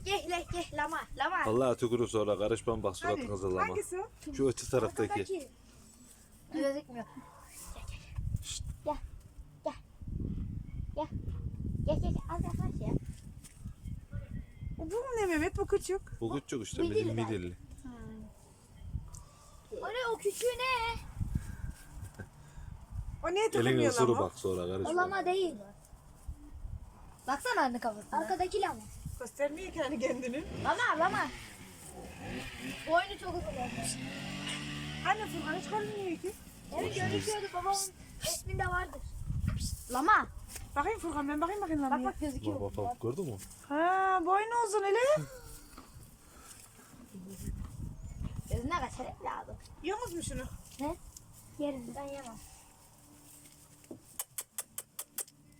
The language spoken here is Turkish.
Gel lama. Vallahi tükürür sonra karışmam bak suratınıza lama. Hangisi o? Şu öte taraftaki. Gözükmüyor. Gel. Az yaklaş ya. Bu mu ne Mehmet? Bu küçük. Bu küçük işte Midilli. midilli. O küçüğü ne? O niye Elini takılmıyor ısırı lama? bak sonra O karışma. lama değil. Baksana anne kafasına. Arkadaki lama. Göstermiyor ki hani kendini. Lama. Boynu çok uzun olmuş. Anne Furkan hiç görünmüyor ki. Evet gözüküyordu babamın resminde vardır. Lama. Bakayım Furkan ben bakayım lamaya. Bak gözüküyor. Bak gördün mü? Ha boynu uzun hele. Gözüne kaçarım lazım. Yiyorsunuz mu şunu? Ne? Yerim ben yemem.